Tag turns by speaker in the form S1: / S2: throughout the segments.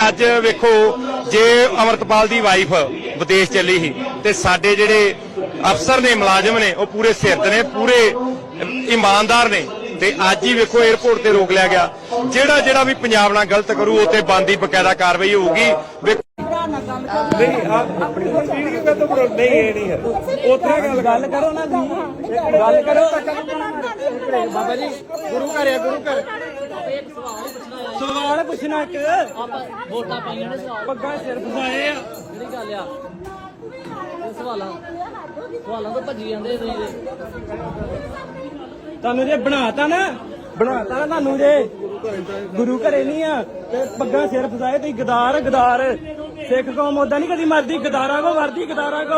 S1: ਅੱਜ ਵੇਖੋ ਜੇ ਅਮਰਤਪਾਲ ਦੀ ਵਾਈਫ ਵਿਦੇਸ਼ ਚੱਲੀ ਸੀ ਤੇ ਸਾਡੇ ਜਿਹੜੇ ਅਫਸਰ ਨੇ ਮੁਲਾਜ਼ਮ ਨੇ ਉਹ ਪੂਰੇ ਸਿਰਦ ਨੇ, ਪੂਰੇ ਈਮਾਨਦਾਰ ਨੇ ਤੇ ਅੱਜ ਹੀ ਵੇਖੋ 에ਅਰਪੋਰਟ ਤੇ ਰੋਕ ਲਿਆ ਗਿਆ। ਜਿਹੜਾ ਵੀ ਪੰਜਾਬ ਨਾਲ ਗਲਤ ਕਰੂ ਉਹ ਤੇ ਬਣਦੀ ਬਕਾਇਦਾ ਕਾਰਵਾਈ ਹੋਊਗੀ।
S2: नहीं आप अपनी वीडियो का तो नहीं है नहीं है उतना गल करो ना गल करो बाबा जी गुरु घर है गुरु घर सवाल पूछना एक वोटां पाईयां ने पग्गां सिर फसाए आ जेहड़ी गल आ सवालां तो भजी जांदे तुहानूं जे बनाता ना तुहानूं जे गुरु घरे नहीं आ ते पग्गां सिर फसाए तुसीं गदार सिख कौम ओदा नहीं कदी मरदी, गदारा को मरदी, गदारा को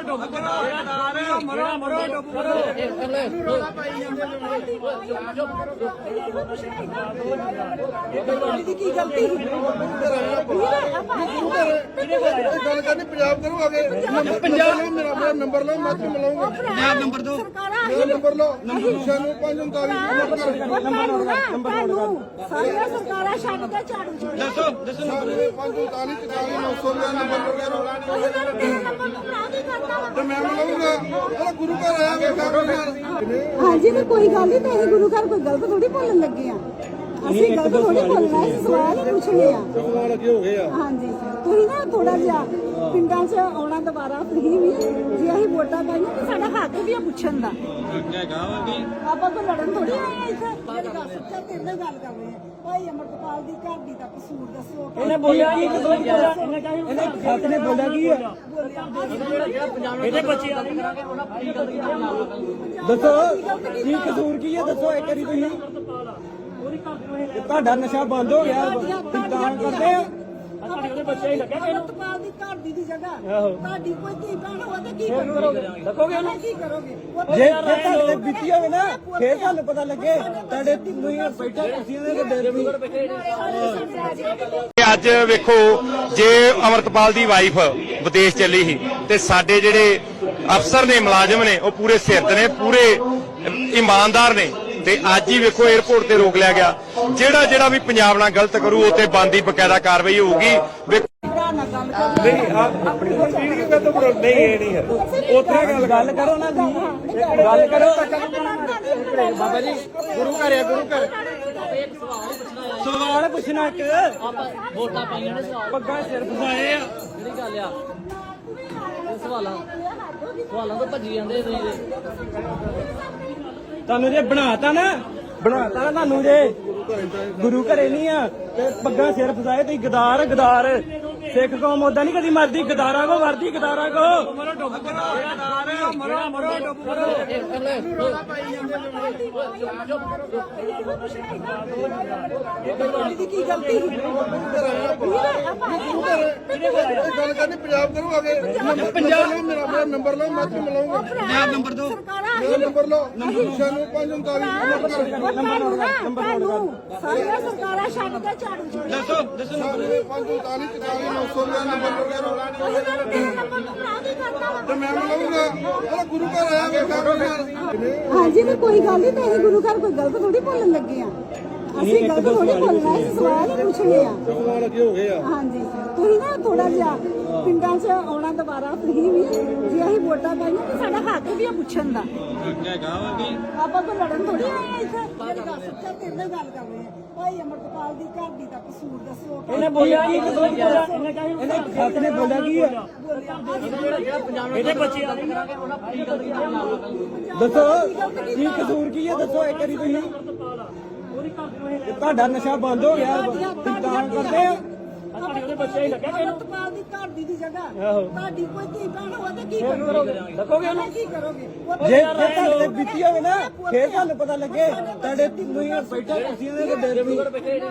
S3: नंबर लो मैं मिलाऊंगा नंबर दो मेरा नंबर लो 95 गुरु घर आया हाँ जी तो कोई गल नहीं तो गुरु घर कोई गलत थोड़ी बोलन लगे ਅਸੀਂ ਗਲਤ ਥੋੜੀ ਬੋਲਣਾ ਹੈ, ਸਵਾਲ ਹੀ ਪੁੱਛਣੇ ਆ। ਸਵਾਲ ਅੱਗੇ ਹੋ ਗਏ ਆ। ਹਾਂਜੀ ਤੁਸੀਂ ਨਾ ਥੋੜਾ ਜਿਹਾ ਪਿੰਡਾਂ 'ਚ ਆਉਣਾ ਦੁਬਾਰਾ ਫਰੀ ਵੀ ਜੇ ਅਸੀਂ ਵੋਟਾਂ ਪਾਈਆਂ ਤਾਂ ਸਾਡਾ ਹੱਕ ਵੀ ਆ ਪੁੱਛਣ ਦਾ। ਆਪਾਂ ਕੋਈ ਲੜਨ ਥੋੜੀ ਆਏ ਆ ਇੱਥੇ। ਮੇਰੀ ਗੱਲ ਸੱਚਾ ਤੇਰੇ ਨਾਲ ਗੱਲ ਕਰ ਰਹੇ ਆ। ਭਾਈ ਅਮਰਤਪਾਲ ਦੀ ਘਰ ਦੀ ਦਾ ਕਸੂਰ ਦੱਸੋ।
S2: ਇਹਨੇ ਬੋਲਿਆ ਕੀ ਇਹਨੇ ਸੱਚ ਨੇ ਬੋਲਿਆ ਕੀ ਹੈ ਇਹਦੇ ਬੱਚੇ ਆ ਦੱਸੋ ਕੀ ਕਸੂਰ ਕੀ ਹੈ ਦੱਸੋ ਇੱਕ ਵਾਰੀ ਤੁਸੀਂ। ਤੁਹਾਡਾ ਨਸ਼ਾ ਬੰਦ ਹੋ ਗਿਆ ਤਾਂ ਕਰਦੇ ਆ
S3: ਅਮਰਤਪਾਲ ਦੀ ਘਰ ਦੀ ਜਗ੍ਹਾ ਤੁਹਾਡੀ ਕੋਈ ਧੀ ਭੈਣ ਹੋਵੇ ਤਾਂ ਕੀ ਕਰੋਗੇ?
S2: ਦੱਸੋਗੇ ਉਹਨੂੰ
S3: ਕੀ ਕਰੋਗੇ?
S2: ਜੇ ਤੁਹਾਡੇ ਬੀਤੀ ਹੋਵੇ ਨਾ ਫੇਰ ਤੁਹਾਨੂੰ ਪਤਾ ਲੱਗੇ ਤੁਹਾਡੇ ਤੁਸੀਂ ਬੈਠਾ ਕੁਰਸੀਆਂ ਦੇ ਡੇਰੇ ਵੀ
S1: ਅੱਜ ਵੇਖੋ ਜੇ ਅਮਰਤਪਾਲ ਦੀ ਵਾਈਫ ਵਿਦੇਸ਼ ਚੱਲੀ ਸੀ ਤੇ ਸਾਡੇ ਜਿਹੜੇ ਅਫਸਰ ਨੇ ਮੁਲਾਜ਼ਮ ਨੇ ਉਹ ਪੂਰੇ ਸਿਰਦ ਨੇ, ਪੂਰੇ ਈਮਾਨਦਾਰ ਨੇ ਤੇ ਅੱਜ ਹੀ ਵੇਖੋ 에ਅਰਪੋਰਟ ਤੇ ਰੋਕ ਲਿਆ ਗਿਆ। ਜਿਹੜਾ ਵੀ ਪੰਜਾਬ ਨਾਲ ਗਲਤ ਕਰੂ ਉਹ ਤੇ ਬਣਦੀ ਬਕਾਇਦਾ ਕਾਰਵਾਈ ਹੋਊਗੀ।
S2: नहीं आप अपनी वीडियो का तो नहीं है नहीं है उतना गल करो ना गल करो बाबा जी गुरु घर है गुरु घर सवाल पूछना एक वोटां पाईयां ने पग्गां सिर फसाए आ जेहड़ी गल आ सवालां तो भजी जांदे तुहानूं जे बनाता ना तुहानूं जे गुरु घरे नहीं आ ते पग्गां सिर फसाए तुसीं गदार सिख कौम ओदा नहीं कदी मरदी, गदारा को मरदी, गदारा को
S3: ਕੀ ਗਲਤੀ ਗੱਲ ਕਰਨੀ ਪੰਜਾਬ ਕਰੋ ਆਗੇ ਪੰਜਾਬ ਮੇਰਾ ਨੰਬਰ ਲਓ ਮੈਂ ਮਿਲਾਉਂਗਾ ਨੰਬਰ ਦੋ ਮੇਰਾ ਨੰਬਰ ਲਓ 95 ਸਾਰੀਆਂ ਸਰਕਾਰਾਂ ਛੱਡ ਕੇ ਝਾੜੂ
S2: ਦੱਸੋ
S3: 95 मैं मिलाऊंगा गुरु घर आया हाँ जी तो कोई गल नहीं तो गुरु घर कोई गलत थोड़ी बोलन लगे ਅਸੀਂ ਗਲਤ ਥੋੜੀ ਬੋਲਣਾ ਹੈ, ਸਵਾਲ ਹੀ ਪੁੱਛਣੇ ਆ। ਸਵਾਲ ਅੱਗੇ ਹੋ ਗਏ ਆ। ਹਾਂਜੀ ਤੁਸੀਂ ਨਾ ਥੋੜਾ ਜਿਹਾ ਪਿੰਡਾਂ 'ਚ ਆਉਣਾ ਦੁਬਾਰਾ ਫਰੀ ਵੀ ਜੇ ਅਸੀਂ ਵੋਟਾਂ ਪਾਈਆਂ ਤਾਂ ਸਾਡਾ ਹੱਕ ਵੀ ਆ ਪੁੱਛਣ ਦਾ। ਆਪਾਂ ਕੋਈ ਲੜਨ ਥੋੜੀ ਆਏ ਆ ਇੱਥੇ। ਮੇਰੀ ਗੱਲ ਸੱਚਾ ਤੇਰੇ ਨਾਲ ਗੱਲ ਕਰ ਰਹੇ ਆ। ਭਾਈ ਅਮਰਤਪਾਲ ਦੀ ਘਰ ਦੀ ਦਾ ਕਸੂਰ ਦੱਸੋ।
S2: ਇਹਨੇ ਬੋਲਿਆ ਕੀ ਇਹਨੇ ਸੱਚ ਨੇ ਬੋਲਿਆ ਕੀ ਹੈ ਇਹਦੇ ਬੱਚੇ ਆ ਦੱਸੋ ਕੀ ਕਸੂਰ ਕੀ ਹੈ ਦੱਸੋ ਇੱਕ ਵਾਰੀ ਤੁਸੀਂ। ਤੁਹਾਡਾ ਨਸ਼ਾ ਬੰਦ ਹੋ ਗਿਆ ਤਾਂ ਕਰਦੇ ਆ
S3: ਅਮਰਤਪਾਲ ਦੀ ਘਰ ਦੀ ਜਗ੍ਹਾ ਤੁਹਾਡੀ ਕੋਈ ਧੀ ਭੈਣ ਹੋਵੇ ਤਾਂ ਕੀ ਕਰੋਗੇ?
S2: ਦੱਸੋਗੇ ਉਹਨੂੰ
S3: ਕੀ ਕਰੋਗੇ?
S2: ਜੇ ਤੁਹਾਡੇ ਬੀਤੀ ਹੋਵੇ ਨਾ ਫੇਰ ਤੁਹਾਨੂੰ ਪਤਾ ਲੱਗੇ ਤੁਹਾਡੇ ਤੁਸੀਂ ਬੈਠਾ ਕੁਰਸੀਆਂ ਦੇ ਡੇਰੇ ਵੀ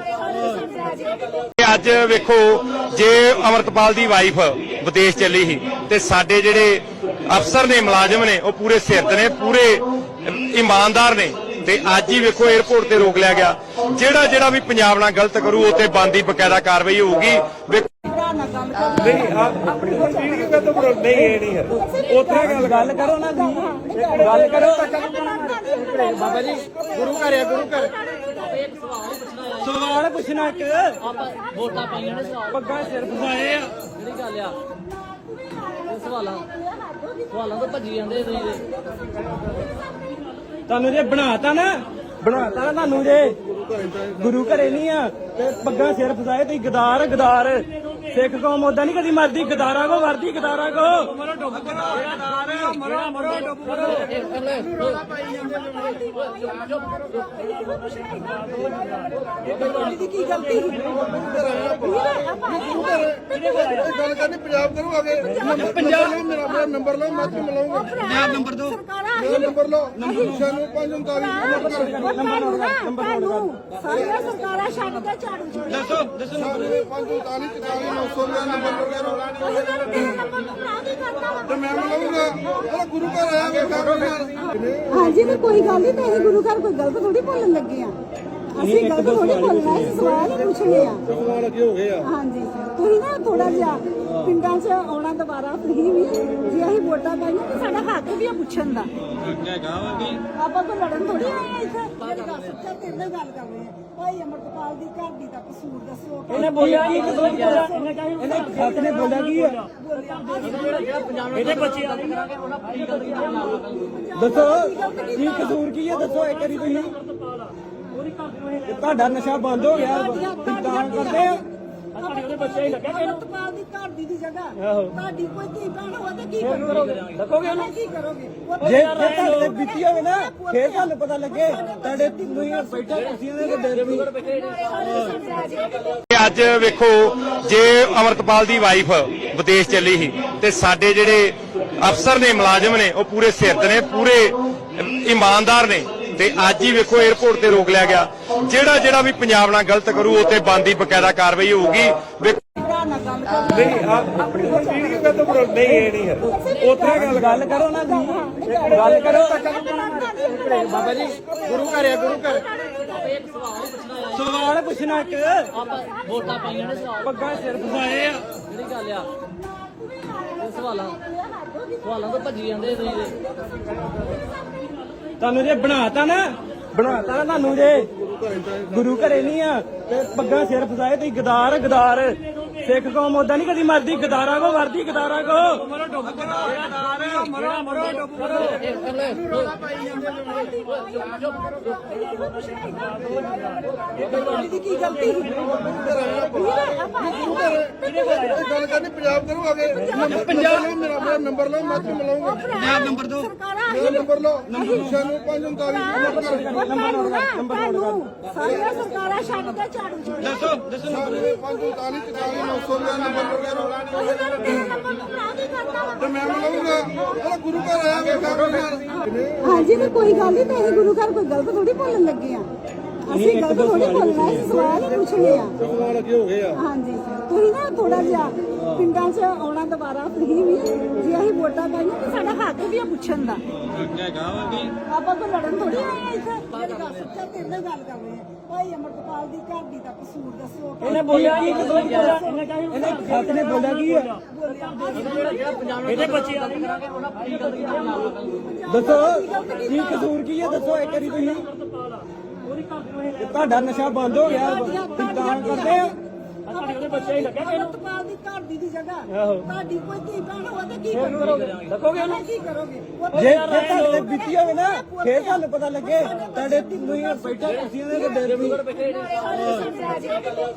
S1: ਅੱਜ ਵੇਖੋ ਜੇ ਅਮਰਤਪਾਲ ਦੀ ਵਾਈਫ ਵਿਦੇਸ਼ ਚੱਲੀ ਸੀ ਤੇ ਸਾਡੇ ਜਿਹੜੇ ਅਫਸਰ ਨੇ ਮੁਲਾਜ਼ਮ ਨੇ ਉਹ ਪੂਰੇ ਸਿਰਦ ਨੇ, ਪੂਰੇ ਈਮਾਨਦਾਰ ਨੇ ਤੇ ਅੱਜ ਹੀ ਵੇਖੋ 에ਅਰਪੋਰਟ ਤੇ ਰੋਕ ਲਿਆ ਗਿਆ। ਜਿਹੜਾ ਵੀ ਪੰਜਾਬ ਨਾਲ ਗਲਤ ਕਰੂ ਉਹ ਤੇ ਬਣਦੀ ਬਕਾਇਦਾ ਕਾਰਵਾਈ ਹੋਊਗੀ।
S2: नहीं आप अपनी वीडियो का तो नहीं है नहीं है उतना गल करो ना गल करो बाबा जी गुरु घर है गुरु घर ਸਵਾਲ ਪੁੱਛਣਾ ਇੱਕ
S4: ਆਪਾਂ ਵੋਟਾਂ ਪਾਈਆਂ ਨੇ ਸਵਾਲ
S2: ਪੱਗਾਂ ਸਿਰ ਫਸਾਏ ਆ
S4: ਜਿਹੜੀ ਗੱਲ ਆ ਇਹ ਸਵਾਲਾਂ ਤੋਂ ਭੱਜੀ ਜਾਂਦੇ ਤੁਸੀਂ ਤੇ
S2: ਤੁਹਾਨੂੰ ਜੇ ਬਣਾਤਾ ਨਾ ਤੁਹਾਨੂੰ ਜੇ ਗੁਰੂ ਘਰੇ ਨਹੀਂ ਆ ਤੇ ਪੱਗਾਂ ਸਿਰ ਫਸਾਏ ਤੁਸੀਂ ਗਦਾਰ ਸਿੱਖ ਕੌਮ ਓਦਾਂ ਨਹੀਂ ਕਦੀ ਮਰਦੀ ਗਦਾਰਾਂ ਕੋ ਵਰਦੀ ਗਦਾਰਾਂ ਕੋ ਮਰੋ ਡੁੱਬ
S3: ਕੀ ਗਲਤੀ
S5: ਗੱਲ ਕਰਨੀ ਪੰਜਾਬ ਕਰੋ ਆਗੇ ਪੰਜਾਬ ਮੇਰਾ ਨੰਬਰ ਲਓ ਮੈਂ ਤੁਹਾਨੂੰ ਮਿਲਾਉਂਗਾ
S3: ਪੰਜਾਬ ਨੰਬਰ ਦੋ
S5: ਮੇਰਾ ਨੰਬਰ ਲਓ 9539
S3: ਸਾਰੀਆਂ ਸਰਕਾਰਾਂ ਛੱਡ ਕੇ ਝਾੜੂ ਛੱਡ
S2: ਦੱਸੋ
S5: 9539 900 ਦਾ ਨੰਬਰ ਵਗੈਰਾ ਤੇ ਮੈਂ ਮਿਲਾਉਂਗਾ ਉਹ ਗੁਰੂ ਘਰ ਆਇਆ ਵੇਖਾ
S3: ਹਾਂਜੀ ਤੇ ਕੋਈ ਗੱਲ ਨਹੀਂ ਤੇ ਅਸੀਂ ਗੁਰੂ ਘਰ ਕੋਈ ਗਲਤ ਥੋੜੀ ਬੋਲਣ ਲੱਗੇ ਆ ਅਸੀਂ ਗਲਤ ਥੋੜੀ ਬੋਲਣਾ ਅਸੀਂ ਸਵਾਲ ਹੀ ਪੁੱਛਣੇ ਆ
S5: ਸਵਾਲ ਲੱਗੇ ਹੋ ਗਏ ਆ
S3: ਹਾਂਜੀ ਤੁਸੀਂ ਨਾ ਥੋੜਾ ਜਿਹਾ ਪਿੰਡਾਂ 'ਚ ਆਉਣਾ ਦੁਬਾਰਾ ਫਰੀ ਵੀ ਜੇ ਅਸੀਂ ਵੋਟਾਂ ਪਾਈਆਂ ਤੇ ਸਾਡਾ ਹੱਕ ਵੀ ਆ ਪੁੱਛਣ ਦਾ ਆਪਾਂ ਕੋਈ ਲੜਨ ਥੋੜੀ ਆਏ ਆ ਇੱਥੇ ਜਿਹੜੀ ਗੱਲ ਸੱਚਾ ਤੇਰੇ ਨਾਲ ਗੱਲ ਕਰ ਰਹੇ ਆ ਭਾਈ ਅਮਰਪਾਲ ਦੀ ਘਰ ਦੀ ਦਾ ਕਸੂਰ ਦੱਸੋ
S2: ਇਹਨੇ ਬੋਲਿਆ ਕੀ ਇਹਨੇ ਖੱਤ ਨੇ ਬੋਲਿਆ ਕੀ ਆ
S4: ਇਹਦੇ ਬੱਚੇ ਆ ਕਰਾਂਗੇ ਉਹਨਾਂ ਪੂਰੀ ਗੱਲ ਦੀ ਨਾਲ
S2: ਦੱਸੋ ਕੀ ਕਸੂਰ ਕੀ ਹੈ ਦੱਸੋ ਇੱਕ ਵਾਰੀ ਤੁਸੀਂ ਇਹ ਤੁਹਾਡਾ ਨਸ਼ਾ ਬੰਦ ਹੋ ਗਿਆ ਤੁਸੀਂ ਤਾਂ ਕਰਦੇ ਆ
S3: ਅਮਰਪਾਲ ਦੀ ਘਰ ਦੀ ਜਗ੍ਹਾ ਤੁਹਾਡੀ ਕੋਈ ਧੀ ਭੈਣ ਹੋਵੇ ਤੇ ਕੀ ਕਰੋਗੇ ਕੀ ਕਰੋਗੇ
S2: ਜੇ ਤੁਹਾਡੇ ਤੇ ਬੀਤੀ ਹੋਵੇ ਨਾ ਫੇਰ ਤੁਹਾਨੂੰ ਪਤਾ ਲੱਗੇ ਤੁਹਾਡੇ ਤੁਸੀਂ ਬੈਠਾ ਕੁਰਸੀਆਂ ਦੇ ਡੇਰੇ ਵੀ
S1: ਅੱਜ ਵੇਖੋ ਜੇ ਅਮਰਤਪਾਲ ਦੀ ਵਾਈਫ ਵਿਦੇਸ਼ ਚੱਲੀ ਸੀ ਤੇ ਸਾਡੇ ਜਿਹੜੇ ਅਫਸਰ ਨੇ ਮੁਲਾਜ਼ਮ ਨੇ ਉਹ ਪੂਰੇ ਸਿਰਤ ਨੇ ਪੂਰੇ ਇਮਾਨਦਾਰ ਨੇ ਤੇ ਅੱਜ ਹੀ ਵੇਖੋ 에어ਪੋਰਟ ਤੇ ਰੋਕ ਲਿਆ ਗਿਆ ਜਿਹੜਾ ਵੀ ਪੰਜਾਬ ਨਾਲ ਗਲਤ ਕਰੂ ਉਹ ਤੇ ਬਣਦੀ ਬਕਾਇਦਾ ਕਾਰਵਾਈ ਹੋਊਗੀ
S2: ਨਹੀਂ ਆਪਣੀ ਵੀਡੀਓ ਕਾ ਤਾਂ ਨਹੀਂ ਇਹ ਨਹੀਂ ਹੈ ਉੱਥੇ ਗੱਲ ਕਰੋ ਨਾ ਜੀ ਗੱਲ ਕਰੋ ਬਾਬਾ ਜੀ ਗੁਰੂ ਘਰ
S4: ਇੱਕ ਸਵਾਲ ਹੀ ਪੁੱਛਣਾ ਆ
S2: ਸਵਾਲ ਪੁੱਛਣਾ ਇੱਕ
S4: ਆਪਾਂ ਵੋਟਾਂ ਪਾਈਆਂ ਨੇ ਸਵਾਲ
S2: ਪੱਗਾਂ ਸਿਰ ਫਸਾਏ ਆ
S4: ਜਿਹੜੀ ਗੱਲ ਆ ਇਹ ਸਵਾਲਾਂ ਤੋਂ ਭੱਜੀ ਜਾਂਦੇ ਤੁਸੀਂ ਤੇ
S2: ਤੁਹਾਨੂੰ ਜੇ ਬਣਾਤਾ ਨਾ ਤੁਹਾਨੂੰ ਜੇ ਗੁਰੂ ਘਰੇ ਨਹੀਂ ਆ ਤੇ ਪੱਗਾਂ ਸਿਰ ਫਸਾਏ ਤੁਸੀਂ ਗਦਾਰ ਸਿੱਖ ਕੌਮ ਓਦਾਂ ਨਹੀਂ ਕਦੀ ਮਰਦੀ ਗਦਾਰਾਂ ਕੋ ਵਰਦੀ ਗਦਾਰਾਂ ਕੋ ਮਰੋ ਡੁੱਬ
S3: ਕੀ ਗਲਤੀ
S5: ਗੱਲ ਕਰਨੀ ਪੰਜਾਬ ਕਰੋ ਆਗੇ ਪੰਜਾਬ ਮੇਰਾ ਨੰਬਰ ਲਓ ਮੈਂ ਤੁਹਾਨੂੰ ਮਿਲਾਉਂਗਾ ਪੰਜਾਬ ਨੰਬਰ ਦੋ ਮੇਰਾ ਨੰਬਰ ਲਓ 9539
S3: ਸਾਰੀਆਂ ਸਰਕਾਰਾਂ ਛੱਡ ਕੇ ਝਾੜੂ ਛੱਡ
S2: ਦੱਸੋ
S5: 9539 900 ਦਾ ਨੰਬਰ ਵਗੈਰਾ ਤੇ ਮੈਂ ਮਿਲਾਉਂਗਾ ਉਹ ਗੁਰੂ ਘਰ ਆਇਆ ਵੇਖਾ
S3: ਹਾਂਜੀ ਤੇ ਕੋਈ ਗੱਲ ਨਹੀਂ ਤੇ ਅਸੀਂ ਗੁਰੂ ਘਰ ਕੋਈ ਗਲਤ ਥੋੜੀ ਬੋਲਣ ਲੱਗੇ ਆ ਅਸੀਂ ਗਲਤ ਥੋੜੀ ਬੋਲਣਾ ਅਸੀਂ ਸਵਾਲ ਹੀ ਪੁੱਛਣੇ ਆ
S5: ਸਵਾਲ ਲੱਗੇ ਹੋ ਗਏ ਆ
S3: ਹਾਂਜੀ ਤੁਸੀਂ ਨਾ ਥੋੜਾ ਜਿਹਾ ਪਿੰਡਾਂ 'ਚ ਆਉਣਾ ਦੁਬਾਰਾ ਫਰੀ ਵੀ ਜੇ ਅਸੀਂ ਵੋਟਾਂ ਪਾਈਆਂ ਤੇ ਸਾਡਾ ਹੱਕ ਵੀ ਆ ਪੁੱਛਣ ਦਾ ਆਪਾਂ ਕੋਈ ਲੜਨ ਥੋੜੀ ਆਏ ਆ ਇੱਥੇ ਜਿਹੜੀ ਗੱਲ ਸੱਚਾ ਤੇਰੇ ਨਾਲ ਗੱਲ ਕਰ ਰਹੇ ਆ ਭਾਈ ਅਮਰਪਾਲ ਦੀ ਘਰ ਦੀ ਦਾ ਕਸੂਰ ਦੱਸੋ
S2: ਇਹਨੇ ਬੋਲਿਆ ਕੀ ਇਹਨੇ ਖੱਤ ਨੇ ਬੋਲਿਆ ਕੀ ਆ
S4: ਇਹਦੇ ਬੱਚੇ ਆ ਕਰਾਂਗੇ ਉਹਨਾਂ ਪੂਰੀ ਗੱਲ ਦੀ ਨਾਲ
S2: ਦੱਸੋ ਕੀ ਕਸੂਰ ਕੀ ਹੈ ਦੱਸੋ ਇੱਕ ਵਾਰੀ ਤੁਸੀਂ ਇਹ ਤੁਹਾਡਾ ਨਸ਼ਾ ਬੰਦ ਹੋ ਗਿਆ ਤੁਸੀਂ ਤਾਂ ਕਰਦੇ ਆ
S3: ਅਮਰਪਾਲ ਦੀ ਘਰ ਦੀ ਜਗ੍ਹਾ ਤੁਹਾਡੀ ਕੋਈ ਧੀ ਭੈਣ ਹੋਵੇ ਤੇ ਕੀ ਕਰੋਗੇ ਕੀ ਕਰੋਗੇ
S2: ਜੇ ਤੁਹਾਡੇ ਤੇ ਬੀਤੀ ਹੋਵੇ ਨਾ ਫੇਰ ਤੁਹਾਨੂੰ ਪਤਾ ਲੱਗੇ ਤੁਹਾਡੇ ਤੁਸੀਂ ਬੈਠਾ ਕੁਰਸੀਆਂ ਦੇ ਡੇਰੇ ਵੀ